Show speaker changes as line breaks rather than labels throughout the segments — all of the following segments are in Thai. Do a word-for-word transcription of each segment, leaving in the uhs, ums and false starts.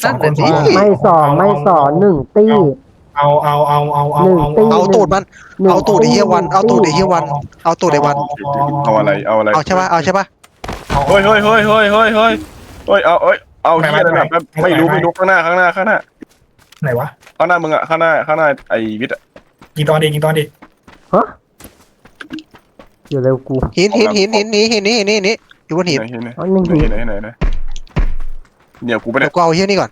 สองคนสองคน
ไม่สองไม่สองหนึ่งตี้
เอาเอาเอาเอาเอาเอา
เอาตูดมันเอาตูดไอ้เหี้ยวันเอาตูดไอ้เหี้ยวันเอาตูดไอ้วัน
เอาอะไรเอาอะไร
เอาใช่ป่ะเอาใช่ป่ะ
เฮ้ยเฮ้ยเฮ้ยเฮ้ยเฮ้ยเฮ้ยเฮ้ยเอาเอ้ยเอาที่อะไรแบบไม่รู้ไม่รู้ข้างหน้าข้างหน้าข้างหน้า
ไหนวะ
ข้างหน้ามึงอะข้างหน้าข้างหน้าไอ้วิทย์อะ
ยิงตอนดียิงตอนดี
ฮะอยู่เร็วกู
หินหินหินหินนี้หินนี้หินนี้หินนี้อยู่บนหิน
ไหนไหน
อ๋อหนึ่ง
ไหน
หิน
ไหนไหนไหนเดี๋ยวกูไป
เดี๋
เนี่ย
วย กูเอาเหี้ยนี่ก่อน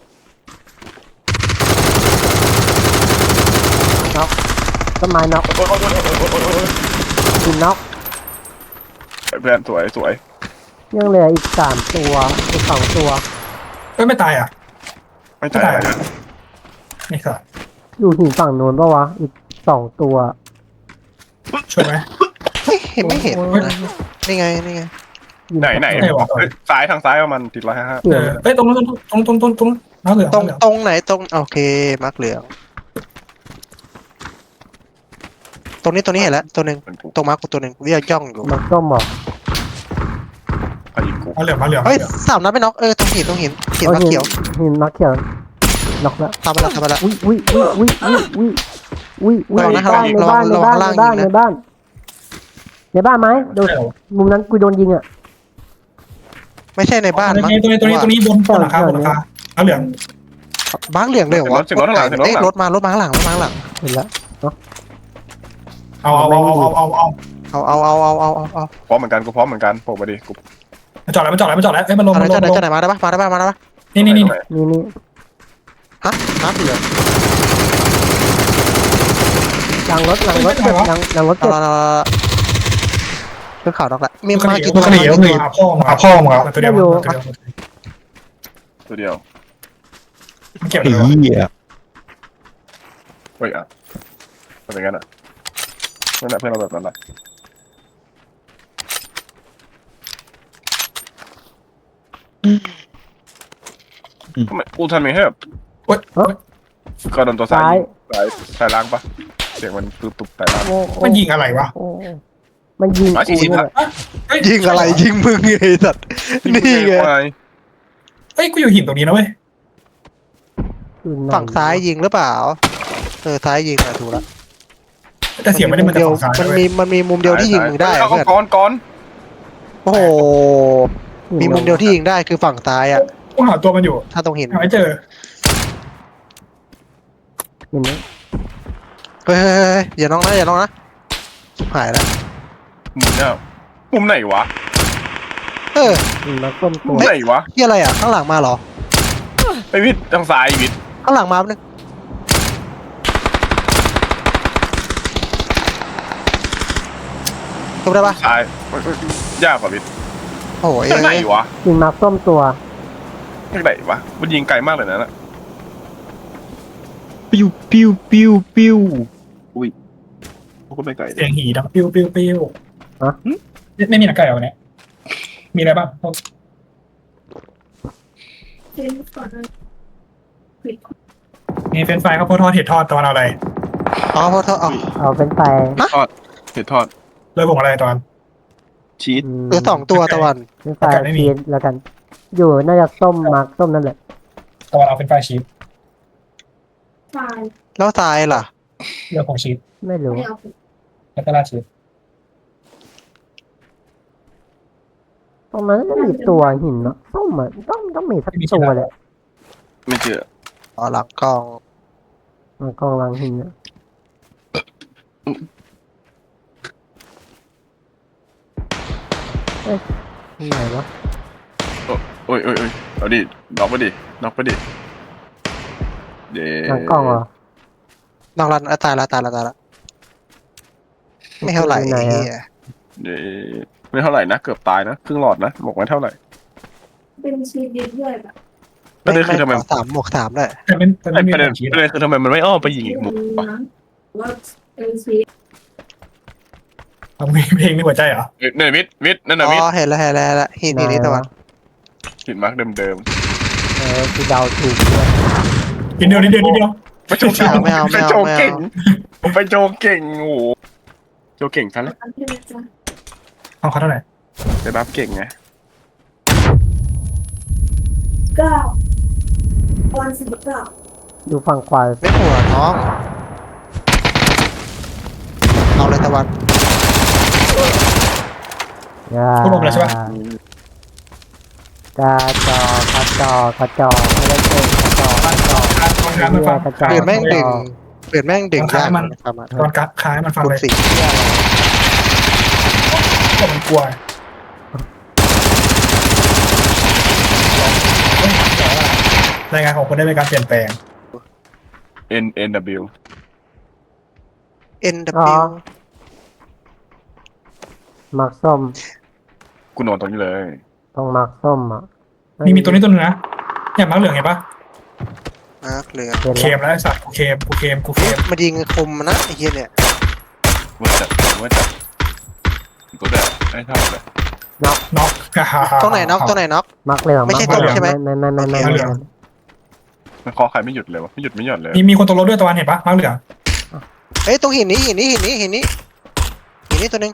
ต้นไม้น็อกหินน็อก
เพื่อนสวยสวย
ยังเหลืออีกสามตัวอีกสองตัว
เอ้ยไม่ตายอ่ะ
ไม่ตาย
นี่ค่ะ
อยู่หินฝั่งโน้นปะวะอีกสองตัว
ช่วยไหม
เฮ้ยเห็นไม่เห็นนะนี่ไงนี่ไง
ไหนไหนซ้ายทางซ้ายประมาณติดร้อยห้าห้า
เกี่
เอ
ยว
อเอ้ยตรงตรงตรงตรงตรงตรงน้ำเหลือง
ตรง
เหลือง
ตรงไหนตรงโอเคมาร์กเหลืองตรงนี้ตัวนี้เห็นแล้วตัวหนึ่งตรงมาร์กกูตัวหนึ่งวิ่งย่องอยู่
มันส้มบอก
ใครยิงกู
มาเหลืองมาเหลือง
เฮ้ยสามนัดไม่น็อกเออตรงหินตรงหินหินมาร์กเขียว
หินน็อกเขียวน็อกแล้ว
ทำมาแล้วทำมาแล้ว
อุ้ยอุ้ยอุ้ยอุ้ยอุ้ยอุ้ยอุ้ยอุ้ยในบ้านในบ้านในบ้านในบ้านในบ้านในบ้านไหมโดนมุมนั้นกูโดนยิงอ่ะ
ไม่ใช่ในบ้าน
ตรง
มั้ง
นี้ตรงนี้ตรงนี้ตรงนี้บนบนหลังคาบนหลังคาเอาเหลือง
บ้านเหลืองเลยเหรอวะเอ้ยรถมารถมาข้างหลังรถมาข้างหลัง
เห็นแล้ว
เอาเอาเอาเอาเอาเอา
เอาเอาเอาเอาเอาเอาเอา
พร้อมเหมือนกันกูพร้อมเหมือนกันโผล่มาดิกู
มันจอดแล้วมันจอดแล้วมันจอดแล้วเอ้ยมันลง
อะไร
มันล
จะ
ง
ไหน
ลง
จะไหนมาได้ปะมาได้ปะมาได้ปะ
นี่นี่นี่
นี่นี่
ฮะมาร์กเหลือง
หลังรถหลังรถเจ็บหลังหลังรถ
เอา
เจ็บ
ละขึ้นข่าวน็อกละมี
มัน
มา
กี่
กี่
ตั
ตัว ว
มันกี่ตัวหาพ่อมึงหาพ่อมึงเอาตัวเดียวตัวเดียว
ตัวเดียว
มันเก็บ
ไอ้
เลยวะ
เหี้ย
เฮ้ยอ่ะเป็นงั้นอ่ะเพื่อนเพื่อนเราแบบนั้นแหละทำไมกูทำไมให้แบบ
เฮ้ย
ก็โดนตัวซ้ายซ้ายซ้ายล่างปะเสียงมันตุ๊บตุ๊บซ้ายล่าง
โอ้
มันยิงอะไรวะ
โอ้มันยิง
ร้อย
กู
สี่สิบ
เนี่ย
ละ
ยิงอะไรยิงมึงไอ้สัตว์นี่ไง
เฮ้ยกูอยู่หินตรงนี้นะเว้ย
ฝั่งซ้ายยิงหรือเปล่าเออซ้ายยิงอะถูกละ
แต่เสียงไม่ได้มันจะ
เดียว
ฝั่งซ้าย
มัน
เว้
มี
ย
มันมีมุมเดียวที่ยิงมึงได้
เอา
เพื่อน
ก้อนก้อน
โอ้โหมีมุมเดียวที่ยิงได้คือฝั่งซ้ายอะ
กูหาตัวมันอยู่
ถ้าตรงหิน
หาไม่เจอ
เห็นไหม
เฮ้ยอย่าน้องนะอย่าน้องนะหายแล้ว
มุมเนี่ยมุมไหนวะ
เออ
หินน็อกส้มตั
มุ
ว
มไหนวะ
ที่อะไรอ่ะข้างหลังมาเหรอ
ไอวิทย์ทางซ้ายวิทย์
ข้างหลังมาแป๊บนึงจบได้ปะ
ซ้ายยากกว่าวิทย์
โอ้ย
ทางไหนวะ
หินน็อกส้มตัว
ทางไหนวะมันยิงไกลมากเลยนะน่ะ
ปิ้วปิ้วปิ้วปิ้ว
กูไม่ไกล
เสียงหีดังปิ้วปิ้วปิ้วไม่มีหนังไก่เหรอวันนี้มีอะไรบ้างมีเฟรนฟรายข้าวโพดทอดเห็ดทอดตอนเอาอะไร
อ๋อเพราะเธออ๋อ
เอาเป็นไป
ทอดเห็ดทอด
เลยผมอะไรตอน
ชีส
เออสองตัวตะวัน
เป็นไปชีสแล้วกัน อยู่น่าจะส้มมาร์กส้มนั่นแหละ
ตอนเอาเป็นฟรายชีส
แล้วซ้ายล่ะ
เรื่องของชีส
ไม่รู้
แล้วก็ราดชีส
ตรงนั้นก็มีตัวหินเนาะส้มอ่ะต้องต้องมีสักตัวเลย
ไม่เจอ
อ๋อหลังกล้อง
มันกองหลังหินอะเอ้ยที่ไหนวะ
โอ้ยโอ้ยโอ้ยเอาดิน็อกไปดิน็อกไปดิเดี๋
หลังกล้องเหรอ
นอกรันอ่ะตายละตายละตายละไม่เท่าไหร่
อยู่ไหน
ไอ้
อะ
เหี้ย
เดี๋ยวไม่เท่าไหร่นะเกือบตายนะครึ่งหลอดนะบอกไว้เท่าไหร่
เป็นชีสด้วยแบบ
ประเด็นคือทำไม
สามหมวกสามได้
แต่ไม่แต่
ไอ้
ไม่มี
ประเด็น
ชีส
ประเด็นคือทำไมมันไม่อ้อมไปยิงอีกมุมวะ
ว่าเป็นชีส
ทำเพลงในหัวใจเหรอ
เนี่ยวิทย์วิทย์นั่น
อ๋
น่ะวิท
อ
ย์
เห็นแล้วเห็นแล้วเห็นแล้วหินหินนี่ตะวัน
หินมาร์กเดิมเดิม
เออคือเดาถูก
กินเดียวนิดเดียวนิดเดียว
ไปโจเก่งไปโจเก่งผมไปโจเก่งโอ้โหโจเก่งซะแล้ว
อันที่มันจะ
เอาเขาเท่าไหร่
จะรับเก่งไง
เก้าางสิบเก้า
ดูฝั่งขวา
ไม่หัวน้องเอาเลยตะวัน
อย่า
พวกลมแล้วใช่ปะ
กระจอกกระจอกกระจอกไม่ได้เก่งกระจอกกระจอก
การตอนการมันฟัง
กระจอก
เปลี่ยนแม่งดึงเปลี่ยนแม่งดึงยาก
มัน
นะครับอ่ะ
ตอนกัดคล้ายมันฟัง
คุณ
เลย
สีเหี้ยอะไร
ก็มันกลัวรายงานของคนได้เป็นการเปลี่ยนแปลง
N N W
N
อ๋อ
W
มักส้ม
กูนอนตรงนี้เลย
ต้องมักส้มอ่ะ
มีมีตัวนี้ตัวนึงนะเนี่ยมังเหลืองเห็นปะ
มาร์คเหลือง
เห็น
เค
แล้ว
มแล้วไอ้สัตว์กูเคมกูเคมกูเคม
มายิงคมนะไอ้เหี้ยเนี่ย
ว่าจัดว่าจัดตัวเด็กไอ้เท่าเลย
น็อก
ตรงไหนน็อกตรงไหนน็อก
มักเหลือง
ไม่ใช่
กเหลือง
ส้มใช่ไหม
ไม่ไม่ไม่ไม่ไม่ไม่
มันเคอใครไม่หยุดเลยวะไม่หยุดไม่หย่อนเลย
มีมีคนตกรถด้วยตะวันเห็นปะมังเหลือง
เฮ้ยตรงหินนี้หินนี้หินนี้หินนี้หินนี้ตัวหนึง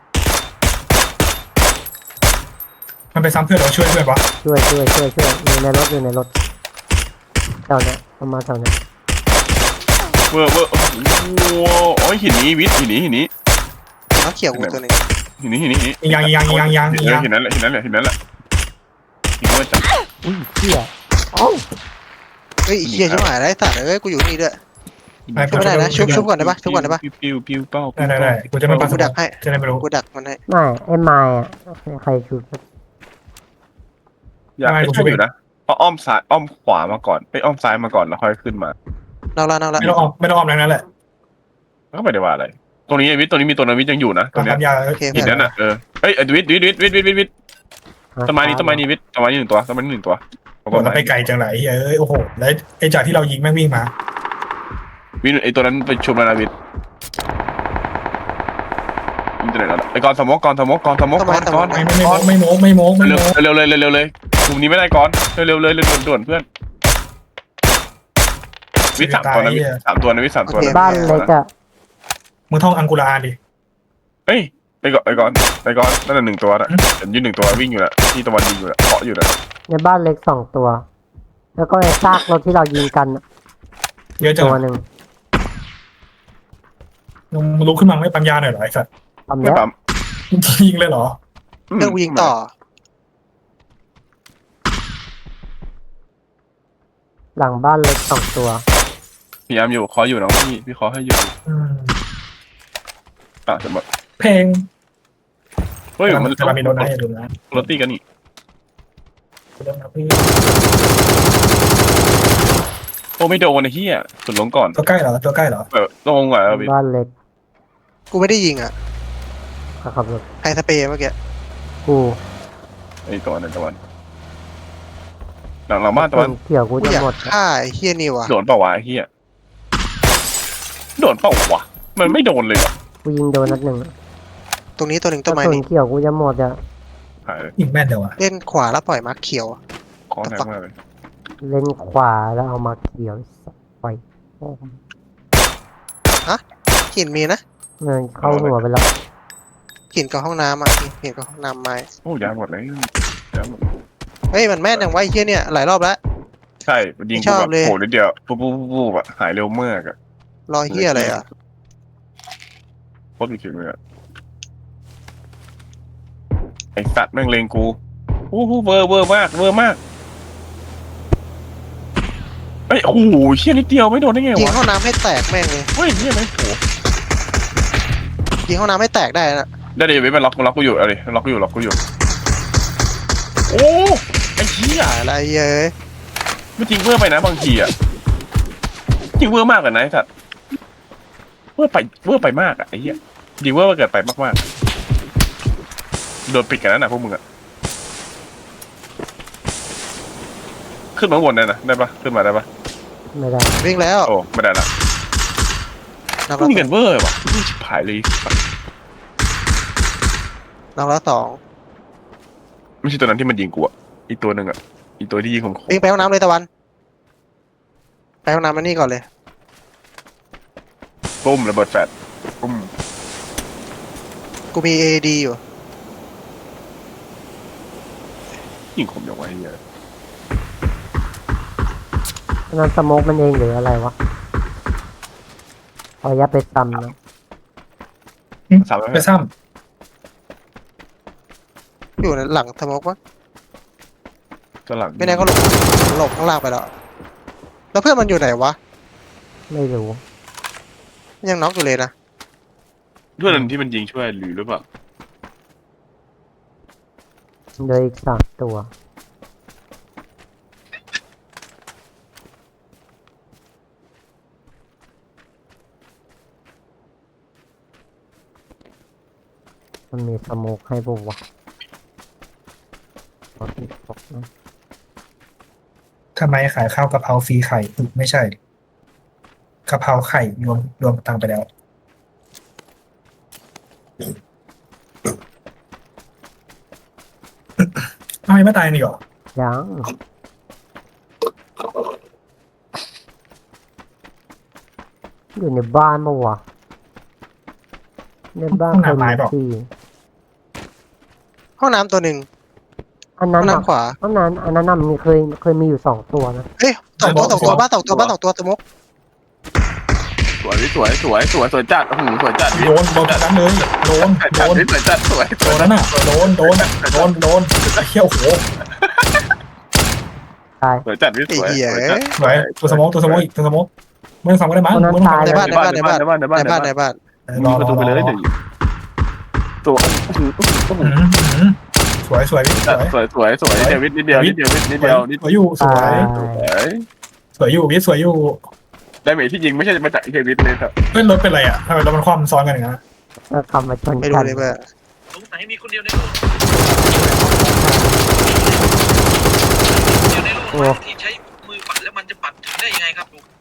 มันไปซ้ำเพื่อนเราช่วยเพื่อนปะ
ช่วยช่วยช่วยช่วยอยู่ในรถอยู่ในรถแถวเนี้ยประมาณแถวเนี้ย
เวอร์เวอร์โอ้โหโอ้ยหินนี้วิทย์หินนี้หินนี้
น็อกเขียวกูตัวหนึง
หินนี้หินนี้หินนี้
ยังยังยังยังยังยัง
หินนั้นแหละหินนั้นแหละหินนั้นแหละหินว่าจัด
อุ้ยเชี่ยเอ้า
เฮ้ยไอ้เหี้ยชิบหายแล้วไอ้สัตว์เอ้ยกูอยู่นี่ด้วย
ไป
ชุบไม่ได้นะชุบชุบก่อนได้ปะชุบก่อนได้ปะ
ปิ้วปิ้วปิ้วเป้า
ได้ได้ได้กูจะไม่ปัส
กูดักให้
จะได้ไม่รู้
กูดักมันให้
ไม่ไอ้ไม้อะใครชูสัก
อยากให้ช่วยอยู่นะเอาอ้อมซ้ายอ้อมขวามาก่อนไปอ้อมซ้ายมาก่อนแล้วค่อยขึ้นมา
นอกละนอกละ
ไม่ต้องออมไม่ต้องออมแรงนั้นแหละ
ก็ไม่ได้ว่าอะไร ตรงนี้วิทย์ตรงนี้มีตัวนวิทย์ยังอยู่นะตรงเนี้ย
ทำยา
โอเค
หิน
เพื่อน
นั้นอ่ะเออเฮ้ยวิทย์วิทย์วิทย์วิทย์วิทย์วิทย์วิทย์ต้นไม้นี้ต้นไม้นี้วิทย์ต้นไม้นี้หนึ่งตัวต้นไม้นี้หนึ่งตัว
โอ้เราไปไกลจังไรเอ้ยโอ้โหแล้วไอ้จากที่เรายิงแม่งวิ่งมา
วิทย์ไอตัวนั้นไปชุมแล้วนะวิทย์วิทย์ตัวไหนแล้วไอกอนสมกกอนสมกกอนสมกกอนกอน
ไม่ไม่ไม่โม้ไม่โม้ไม่โม้ไม่
เร็ว
โม้
เร็วเลยเร็วเลยมุมนี้ไม่ได้ก่อนเร็วเลยเร็วด่วนเพื่อนวิทย์สามตัวนะวิทย์สามตัวนะวิทย์สามตัวนะ
บ้านเล็กอะ
มึงท่องอังกุลาดิ
เฮ้ยไปก่อนไปก่อนไปก่อนนั่นหนึ่งตัวนะเห็นยืนหนึ่งตัววิ่งอยู่นะที่ตะวันยิงอยู่นะเกาะอยู่นะ
ในบ้านเล็กสองตัว แล้วก็ไอ้ซากรถที่เรายิงกันอะ
เยอะจัง
ตัวหนึ่ง
มึงลุกขึ้นมาไม่ปั๊มยาหน่อยเหรอไอ้สัตว์
ทำ
ไม่
เนี้ย
ปั๊ม
มึงยิงเลยเหรอ
เพื่อนกูยิงต่อ
หลังบ้านเล็กสองตัว
พยายามอยู่ขออยู่น้องพี่พี่ขอให้อยู่
อืม
อ่ะสมมติ
เพลง
เฮ้ยมัน
จะมามีรถนะอย่าลืมนะ
รถตีกันนี่
เริ่มนะพี่
โอ้ไม่โดนไอ้เหี้ยสุดลงก่อน
ตัวใกล้เหรอตัวใกล้เหรอ
เออลงก่อนเอาวิ
บ้านเล็ก
กูไม่ได้ยิงอ่ะ
เขาขับรถ
ใครสเปรย์เมื่อกี้
กู
ไอ้ตัวนั้นตะวันหลังหลังบ้านตะวัน
เกี่ยวกู
กู
จะ
อยาก
หมด
ฆ่าไอ้เฮียนี่ว่ะ
โดนเปล่าวะไอ้เหี้ยโดนเปล่าวะมันไม่โดนเลยเหรอ
กูยิงโดนนัดหนึ่ง
ตรงนี้ตัวหนึ่ง
ก
ต้
ระ
นไม้
สุน
นี่
เกี่ยวกูจะหมดอะ
หายเลย
ยิงแม่นเดี๋ยวอะ
เล่นขวาแล้วปล่อยมาร์คเขียว
คอแรงมากเลย
เล่นขวาแล้วเอามาเกี่ยวไปโอ้โห
หินมีนะ
เงินเข้าหัวไปแล้ว
หินกับห้องน้ำอ่ะหินกับห้องน้ำไม้
โอ้ยาหมดเลยยาหมด
เฮ้ยมันแม่นอย่างไวะไอ้เฮียเนี่ยหลายรอบแล้ว
ใช่มันยิง
ช
กู
อบ
แบบ
เลย
โหนิดเดียวปุ๊บปุ๊บปุ๊บปุ๊บอะหายเร็วมากอะ
รอยเฮียอะไรอ่ะ
โคตรมีฝีมืออะไอสัตว์แม่งเลงกูอู้หูเวอร์เวอร์มากเวอร์มากเอ้ยโอ้โหเชี่ยนิดเดียวไม่โดนได้ไง
ยิง
วะ
ห้องน้ำให้แตกแม่งเลย
เฮ้ยเชี่ยไหมโห
ยิงห้องน้ำให้แตกได้นะ
ได้ดิเว้ยมันล็อกมันล็อกกูอยู่เอาดิล็อกกูอยู่ล็อกกูอยู่โอ้ไอ้เชี่ย
อะไรเย้ย
ไม่จริงเวอร์ไปนะบางทีอะจริงเวอร์มากเลยนะไอ้สัตว์เวอร์ไปเวอร์ไปมากอะไอ้เหี้ยจริงเวอร์เกิดไปมากๆโดนปิดกันแล้วนะพวกมึงอะขึ้นมาข้างบนได้นะได้ปะขึ้นมาได้ปะ
ไม่ได้
วิ่งแล้ว
โอ้ไม่ได้ละ
นับ
ไม่
ละ
มีเงินเวอร์ว่ะนี่ชิบหายเลย
นับละสอง
ไม่ใช่ตัวนั้นที่มันยิงกูอะอีกตัวหนึ่งอะอีกตัวที่ยิงผม
วิ่งไปห้องน้ำเลยตะวันไปห้องน้ำมานี่ก่อนเลย
ปุ้มระเบิดแฟลชปุ้ม
กูมีเอดีอยู่
ยิงผมอย่างไวเหี้ย
ไนั่นสโมกมันเองหรืออะไรวะพอยัดไปซ้ำนะ
สามร้อย
ไปซ้
อยู่ในหลังสโมกวะ
ตัวหลัง
ไม่แน่เขาหลบหลบข้างล่างไปแล้วแล้วเพื่อนมันอยู่ไหนวะ
ไม่รู้
ยังน็อกอยู่เลยนะ
เพื่อนที่มันยิงช่วยหรือหรือเปล่า
เหลยอีกสามตัวมันมีสโมกให้บุกวะขอติดตกนะ
ำทำไมขายข้าวกะเพราฟรีไข่อืมไม่ใช่กะเพราไข่รวมรวมตังค์ไปแล้วทำไมไม่ตายนี่หรอ
ยังอยู่ในบ้านปะวะในบ้านใครมีที่
ห้องน้ำตัวหนึ่ง
อัน
ห้
นั้
อน ง
น่ะ
น้ำขวา
อันนั้นอันนั้นน่ะมีเคยเคยมีอยู่สองตัวนะ
เฮ้ยสองตัวสองตัวบ้านสองตัวบ้านสองตัวสโมก
สวยสวยสวยสวยสวยจัดโอ้โหสวยจัด
โดนโดนทั้งนั้นเลยโดน
จัด
โดน
สวยจัดสวย
โดนนั่นน่ะโดนโดนโดนโดนไอ้เขี้ยวโห
ตาย
สวยจัดพี่
ไอ้
สวย
เหี้ย
สวยจัด
สวยตัวสมองตัวสมองอีกตัวสมองไม่ต้องฟังก็ได้มั้ง
คนนั้น
ไม่ต้องฟัง
ตาย
ในบ้าน
ในบ้านในบ้านในบ้านในบ้าน
ใน
ใน
บ้า
บ้าน น
ในบ้าน
ร
มี
อ
ประตูไปเลย
รอ
เดี๋ยวตัวโอ้โหโอ้โห
อืมอืมสวยสวยพี่สวย
สวยสวยสวยเดวิดนิดเดียวนิดเดียวนิดเดียวนิด
สวยอยู่สวย
สวย
สวยอยู่พี่สวยอยู่
ได้เมทที่ยิงไม่ใช่มาจากเดวิดเลยครับ
เพื่อนรถเป็นไรอ่ะทำไมรถมันคว่ำซ้อนกันอย่างนั้น
ก็คำมาชน
ไม่
กั
รู้
น
เลยว่า
สงสัยมีคนเดียวในโลกเดียวในโลกนะที่ใช้มือปัดแล้วมันจะปัดถึงได้ยังไงครับลุง